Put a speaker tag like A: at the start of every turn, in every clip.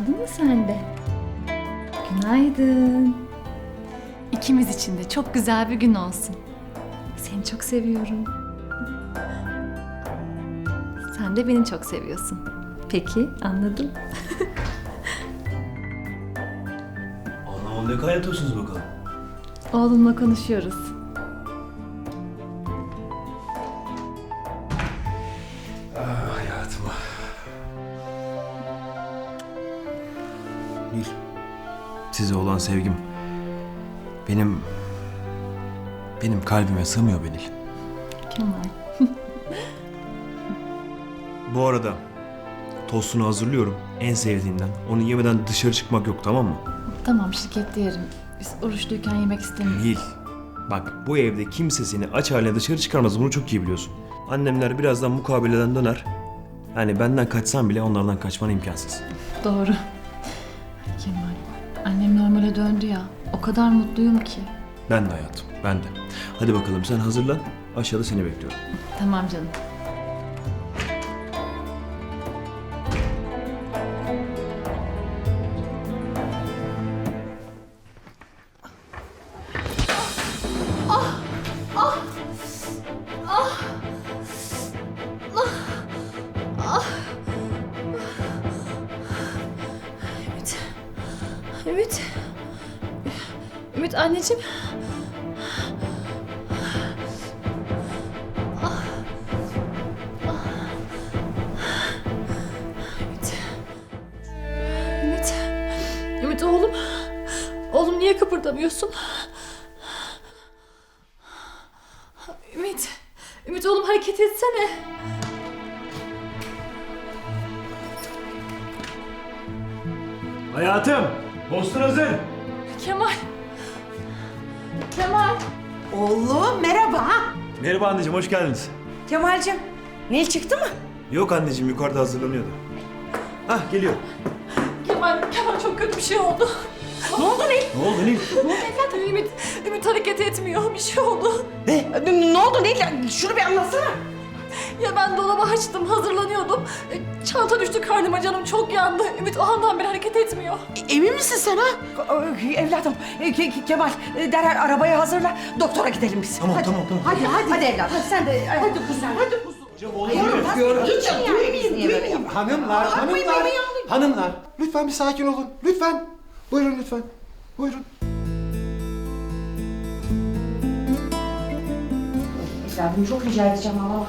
A: Uyandın mı sen de? Günaydın. İkimiz için de çok güzel bir gün olsun. Seni çok seviyorum. Sen de beni çok seviyorsun. Peki, anladım.
B: Anam ne kaynatıyorsunuz bakalım?
A: Oğlumla konuşuyoruz.
B: Ah hayatım. Nil, size olan sevgim benim kalbime sığmıyor be Nil.
A: Kemal.
B: Bu arada tostunu hazırlıyorum. En sevdiğinden. Onu yemeden dışarı çıkmak yok, tamam mı?
A: Tamam, şirkette yerim. Biz oruçluyken yemek istemiyoruz.
B: Nil, bak bu evde kimse seni aç haline dışarı çıkarmaz. Bunu çok iyi biliyorsun. Annemler birazdan mukabeleden döner. Yani benden kaçsan bile onlardan kaçman imkansız.
A: Doğru. Kemal, annem normale döndü ya. O kadar mutluyum ki.
B: Ben de hayatım, ben de. Hadi bakalım sen hazırlan. Aşağıda seni bekliyorum.
A: Tamam canım. Ümit. Ümit. Ümit anneciğim. Ümit. Ümit. Ümit oğlum. Oğlum niye kıpırdamıyorsun? Ümit. Ümit oğlum hareket etsene.
B: Hayatım, postun hazır.
A: Kemal. Kemal.
C: Oğlum merhaba.
B: Merhaba anneciğim, hoş geldiniz.
C: Kemal'cim, Nil çıktı mı?
B: Yok anneciğim, yukarıda hazırlanıyordu. Hah, geliyor.
A: Kemal çok kötü bir şey oldu.
C: Ne oldu Nil?
B: Ne oldu Nil?
A: Ümit hareket etmiyor. Bir şey oldu.
C: Ne oldu Nil? Şunu bir anlatsana.
A: Ya ben dolabı açtım, hazırlanıyordum. Çanta düştü karnıma, canım çok yandı. Ümit o andan beri hareket etmiyor.
C: Emin misin sen ha? Evladım, Kemal derhal arabayı hazırla. Doktora gidelim biz.
B: Tamam,
C: hadi.
B: tamam.
C: Hadi evladım. Hadi sen de. Hadi kuzum. Hadi kuzum.
B: Hocam olur
C: Duymayayım.
D: Hanımlar, lütfen bir sakin olun. Lütfen. Buyurun lütfen. Buyurun.
C: Evladım çok rica edeceğim ama.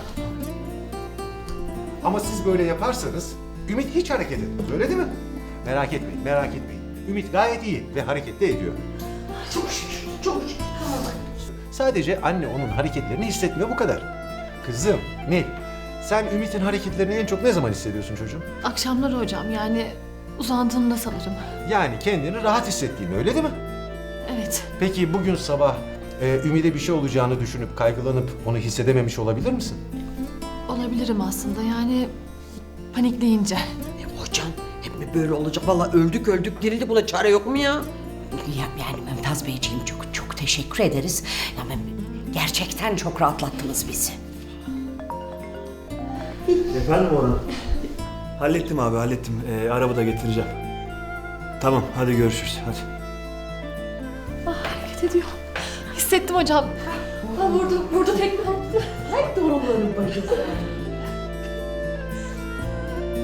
D: Ama siz böyle yaparsanız Ümit hiç hareket etmez. Öyle değil mi? Merak etmeyin, merak etmeyin. Ümit gayet iyi ve harekette ediyor.
C: Çok şükür, çok şükür.
D: Sadece anne onun hareketlerini hissetmiyor, bu kadar. Kızım, Nil, sen Ümit'in hareketlerini en çok ne zaman hissediyorsun çocuğum?
A: Akşamları hocam, yani uzandığımda sanırım.
D: Yani kendini rahat hissettiğini, öyle değil mi?
A: Evet.
D: Peki bugün sabah Ümit'e bir şey olacağını düşünüp kaygılanıp onu hissedememiş olabilir misin?
A: Olabilirim aslında, yani panikleyince.
E: Hocam hep mi böyle olacak? Vallahi öldük dirildik, buna çare yok mu ya?
F: Yani Mümtaz Beyciğim çok teşekkür ederiz. Yani gerçekten çok rahatlattınız bizi.
B: Efendim Orhan? Hallettim abi, hallettim. Arabada getireceğim. Tamam, hadi görüşürüz. Hadi.
A: Hareket ediyor. Hissettim hocam. Vurdu tekme attı.
C: Hadi doğruları bacısı.